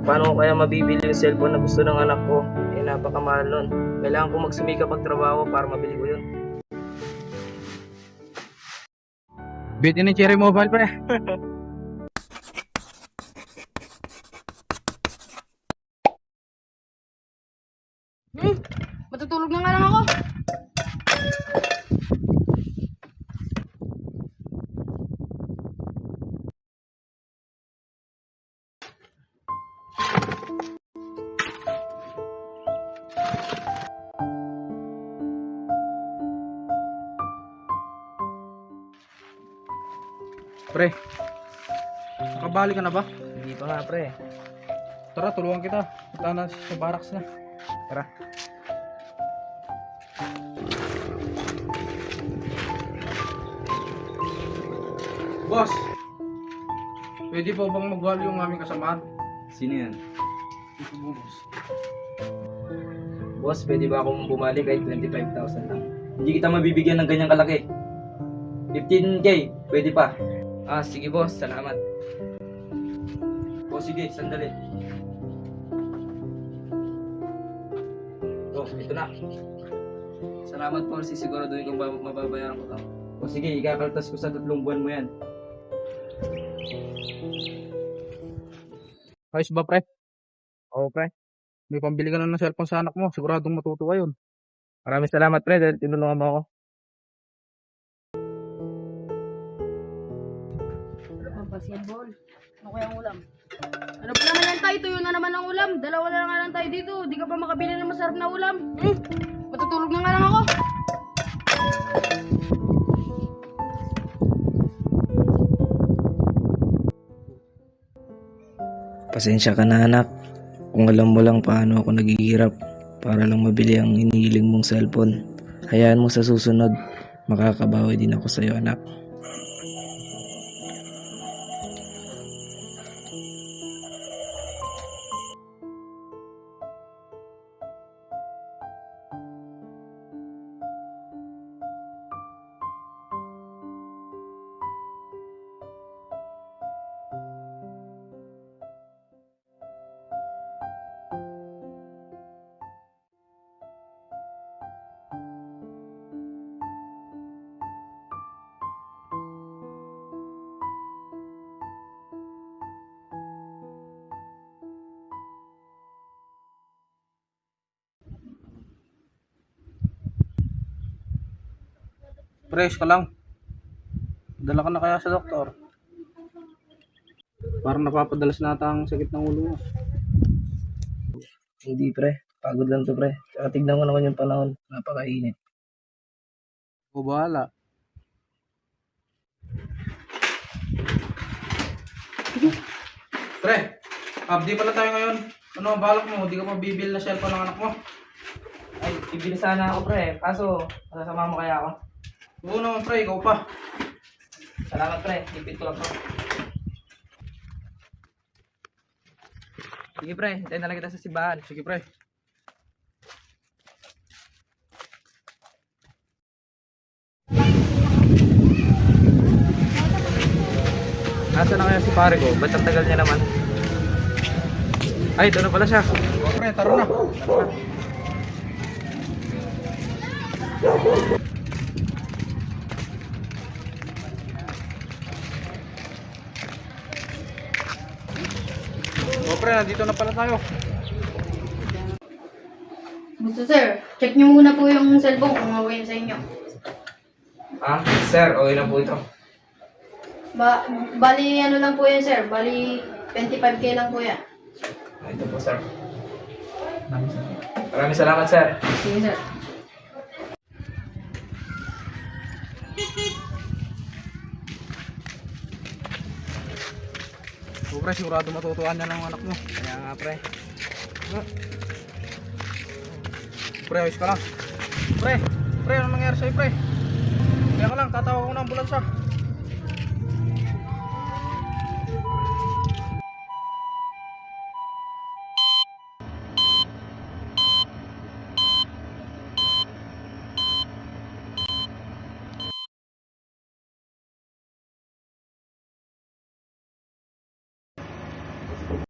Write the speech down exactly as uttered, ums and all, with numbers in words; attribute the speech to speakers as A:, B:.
A: Paano ko kaya mabibili yung cellphone na gusto ng anak ko? Eh, napakamahal nun. Kailangan ko magsumikap magtrabaho para mabili ko yun.
B: Bitin ni Cherry Mobile, pre.
C: Hmm, matutulog na nga lang ako.
B: Pre, nakabali ka na ba?
A: Hindi pa nga, pre.
B: Tara, tulungan kita. Punta na sa barracks na. Tara. Boss, pwede po bang magwalo yung aming kasamahan?
D: Sino yan?
B: Ito po, boss.
A: Boss, pwede ba akong bumalik kahit twenty-five thousand lang?
D: Hindi kita mabibigyan ng ganyang kalaki. fifteen K, pwede pa.
A: Ah, sige boss, salamat.
D: O sige, sandali.
A: Oh, ito na. Salamat po, sisiguraduhin kong ba- mababayaran ko to.
D: O sige, ikakaltas ko sa tatlong buwan mo yan.
B: Ayos ba, pre?
A: Oo, pre.
B: May pambili ka na ng cellphone sa anak mo. Siguradong matutuwa yun.
A: Maraming salamat, pre, dahil tinulungan mo ako.
C: Pampasyan, bol. Ano kaya ang ulam? Ano pa naman yan tayo? Tuyo na naman ang ulam. Dalawa na nga lang tayo dito. Di ka pa makabili ng masarap na ulam. Hmm, matutulog na nga lang ako.
A: Pasensya ka na, anak. Kung alam mo lang paano ako naghihirap para lang mabili ang inihiling mong cellphone. Hayaan mo sa susunod, makakabawi din ako sa'yo, anak.
B: Fresh ka lang. Dala ka na kaya sa doktor? Parang napapadalas nata ang sakit ng ulo mo.
A: Hindi, pre. Pagod lang to, pre. Tsaka tignan ko naman yung panahon. Napakainit.
B: O bahala. Pre, abdi pala tayo ngayon. Ano ang balak mo? Di ka pa bibil na cellphone ng anak mo?
A: Ay, bibili sana ako, pre. Kaso, masasama mo kaya ako?
B: Oo naman, pre. Ikaw pa.
A: Salamat, pre. Ipit ko lang to. Sige, pre. Hintayin na lang kita sa simbahan.
B: Sige, pre.
A: Nasaan na kaya si pare ko? Ba't ang tagal niya naman? Ay, ito na pala siya.
B: O, pre, taro na. Taro na. O, pre, nandito na pala tayo.
C: Gusto sir, check nyo muna po yung cellphone kung okay na sa inyo.
A: Ah, sir, okay na po ito.
C: Ba bali ano lang po yan sir, bali twenty-five K lang po yan.
A: Ah, ito po, sir. Maraming salamat, sir.
C: Sige sir.
B: O, pre, sigurado matutuwa niya ng anak mo.
A: Kaya nga, pre.
B: Pre, ayos ka lang. Pre, pre, ano nangyari sa'yo, pre? Kaya ka lang, tatawag ko ng ambulansya.